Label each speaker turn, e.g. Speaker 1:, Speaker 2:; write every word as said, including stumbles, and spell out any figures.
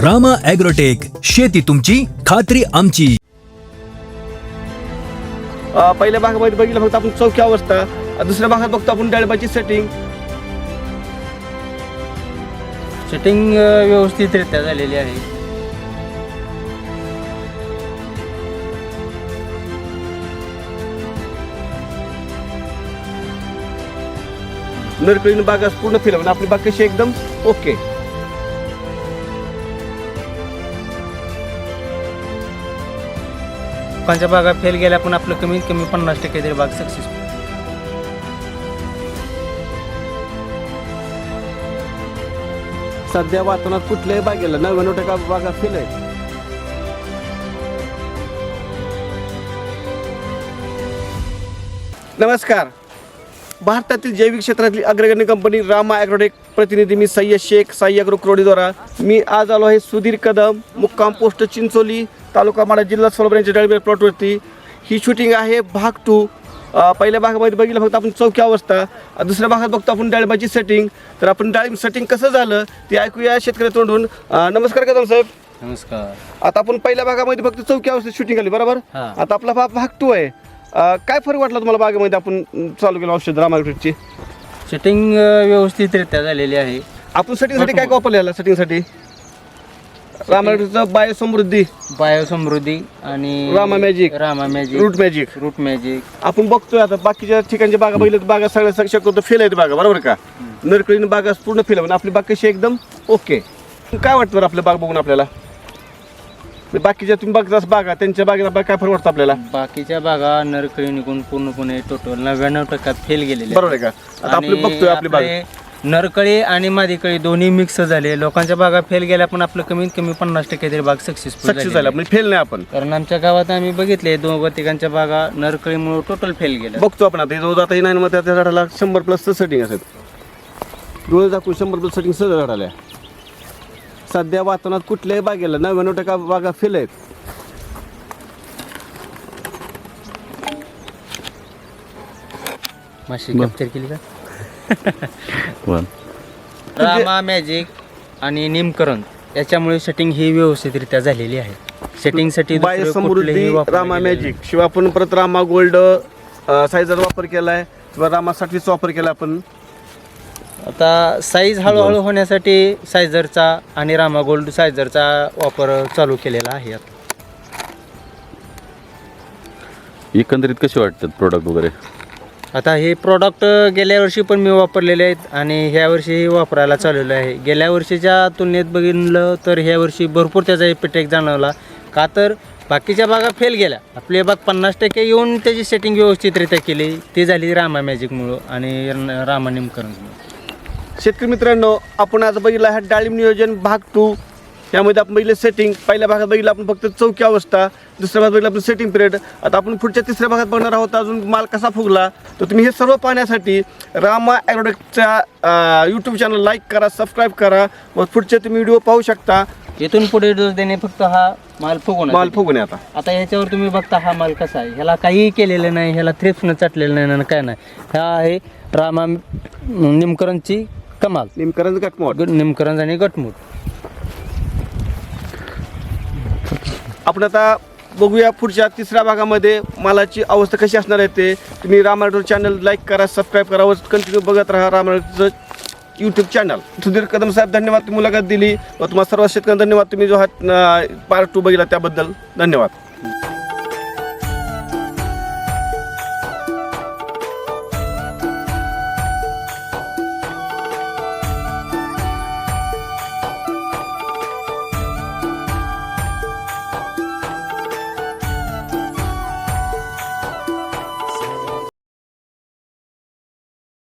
Speaker 1: Rama agrotech, शेती तुमची खात्री आमची.
Speaker 2: अ, पहिल्या भागामध्ये बघितलं फक्त आपण चौकी अवस्था, दुसऱ्या भागात बघतो आपण डाळिंबाची सेटिंग.
Speaker 3: सेटिंग व्यवस्थितरित्या झालेली आहे.
Speaker 2: नरकळीने बागा पूर्ण फिरवून आपली बाग कशी एकदम ओके.
Speaker 3: लोकांच्या बागा फेल गेल्या पण आपलं कमीत कमी पन्नास टक्के तरी बाग सक्सेसफुल.
Speaker 2: सध्या वातावरणात कुठल्याही बागेला नव्याण्णव टक्का बागा फेल आहे. नमस्कार. भारतातील जैविक क्षेत्रातली अग्रगण्य कंपनी रामा ॲग्रोटेक प्रतिनिधी मी सय्यद शेख, साई ॲग्रो क्रोडीद्वारा. मी आज आलो आहे सुधीर कदम, मुक्काम पोस्ट चिंचोली, तालुका माडा, जिल्हा सोलापूर यांच्या डाळिंब प्लॉटवरती. ही शूटिंग आहे भाग टू. पहिल्या भागामध्ये बघितलं फक्त आपण चौकी अवस्था, दुसऱ्या भागात बघतो आपण डाळिंबाची सेटिंग. तर आपण डाळिंब सेटिंग कसं झालं ते ऐकूया शेतकरी तोंडून. नमस्कार कदम साहेब.
Speaker 3: नमस्कार.
Speaker 2: आता आपण पहिल्या भागामध्ये फक्त चौकी अवस्थेत शूटिंग आली बरोबर.
Speaker 3: हा.
Speaker 2: आता आपला भाग भाग टू आहे. अ, काय फरक वाटला तुम्हाला बागेमध्ये आपण चालू केलं औषध रामा ॲग्रोटेकची?
Speaker 3: सेटिंग व्यवस्थितरित्या झालेली आहे.
Speaker 2: आपण सेटिंगसाठी काय काय वापरलेलं? सेटिंगसाठी रामा ॲग्रोटेकचं बायो समृद्धी,
Speaker 3: बायो समृद्धी आणि
Speaker 2: Rama Magic,
Speaker 3: Rama Magic,
Speaker 2: Root Magic.
Speaker 3: Root Magic.
Speaker 2: आपण बघतोय आता बाकीच्या ठिकाणच्या बागा बघितलं बागा सगळ्या शक्यतो फेल आहेत बागा बरोबर का. नरकळीने बागा पूर्ण फेल आहे, आपली बाग कशी एकदम ओके. काय वाटतं बरं आपल्या बाग बघून आपल्याला? बाकीच्या तुम्ही बघताच बागा, त्यांच्या बागेला बाग काय फरक वाटतं आपल्याला?
Speaker 3: बाकीच्या बागा नरकळी निघून पूर्णपणे टोटल नव्याण्णव टक्क्यात फेल गेलेले
Speaker 2: बरोबर आहे का. आता आपली
Speaker 3: आणि
Speaker 2: बघतोय आपली बाग
Speaker 3: आपले नरकळी आणि मादीकळी दोन्ही मिक्स झाले. लोकांच्या बागा फेल गेल्या पण आपलं कमीत कमी पन्नास टक्के तरी बाग सक्सेसफुल
Speaker 2: सक्सेस झाला, म्हणजे फेल नाही आपण.
Speaker 3: कारण आमच्या गावात आम्ही बघितले दोन तिघांच्या बागा नरकळीमुळे टोटल फेल गेल्या.
Speaker 2: बघतो आपण आता रोज आता नाही मग त्या झाडाला शंभर प्लस सेटिंग असेल, डोळे दाखवून शंभर प्लस सेटिंग सहज झाडाला. सध्या वातावरणात कुठल्याही बागेला नव्याण्णव टक्का बागा फेल आहेत.
Speaker 3: माशी कॅप्चर केली का? रामा मॅजिक आणि निमकरण याच्यामुळे सेटिंग ही व्यवस्थितरित्या झालेली आहे. सेटिंगसाठी
Speaker 2: बायो समृद्धी, रामा मॅजिक शिवाय आपण परत रामा गोल्ड साईजचा वापर केलाय किंवा रामा साठीचा वापर केला आपण.
Speaker 3: आता साईज हळूहळू होण्यासाठी सायझरचा आणि रामा गोल्ड सायझरचा वापर चालू केलेला आहे. आता
Speaker 4: एकंदरीत कसे वाटतात प्रोडक्ट वगैरे?
Speaker 3: आता हे प्रॉडक्ट गेल्या वर्षी पण मी वापरलेले आहेत आणि ह्या वर्षी वापरायला चालवलं आहे. गेल्या वर्षीच्या तुलनेत बघितलं तर ह्या वर्षी भरपूर त्याचा इफेक्ट जाणवला. का तर बाकीच्या बागा फेल गेल्या, आपली बाग पन्नास टक्के येऊन त्याची सेटिंग व्यवस्थितरित्या केली. ती झाली रामा मॅजिकमुळं आणि रामा निमकरणमुळं.
Speaker 2: शेतकरी मित्रांनो, आपण आज बघितलं आहे डाळिंब नियोजन भाग टू. यामध्ये आपण बघितलं सेटिंग. पहिल्या भागात बघितलं आपण फक्त चौकी अवस्था, दुसऱ्या भागात बघितलं आपण सेटिंग पिरियड. आता आपण पुढच्या तिसऱ्या भागात बघणार आहोत अजून माल कसा फुगला. तर तुम्ही हे सर्व पाहण्यासाठी रामा ॲग्रोटेकच्या यूट्यूब चॅनल लाईक करा, सबस्क्राईब करा, मग पुढचे तुम्ही व्हिडिओ पाहू शकता.
Speaker 3: इथून पुढे डोस देणे फक्त हा माल फुगवून
Speaker 2: माल फुगून आता
Speaker 3: आता ह्याच्यावर तुम्ही बघता हा माल कसा आहे. ह्याला काहीही केलेलं नाही, ह्याला थ्रिप्सनं चाटलेलं नाही ना काय नाही. हा आहे रामा निमकरणची कमाल,
Speaker 2: निमकरण गटमोड.
Speaker 3: निमकरण आणि गटमूट.
Speaker 2: आपण आता बघूया पुढच्या तिसऱ्या भागामध्ये मालाची अवस्था कशी असणार आहे ते. तुम्ही रामा ॲग्रो चॅनल लाईक करा, सबस्क्राईब करा व कंटिन्यू बघत राहा रामा ॲग्रोचं यूट्यूब चॅनल. सुधीर कदम साहेब धन्यवाद, तुम्ही मुलाखत दिली व तुम्हाला सर्व शेतकऱ्यांना धन्यवाद. तुम्ही जो हा पार्ट टू बघितला त्याबद्दल धन्यवाद.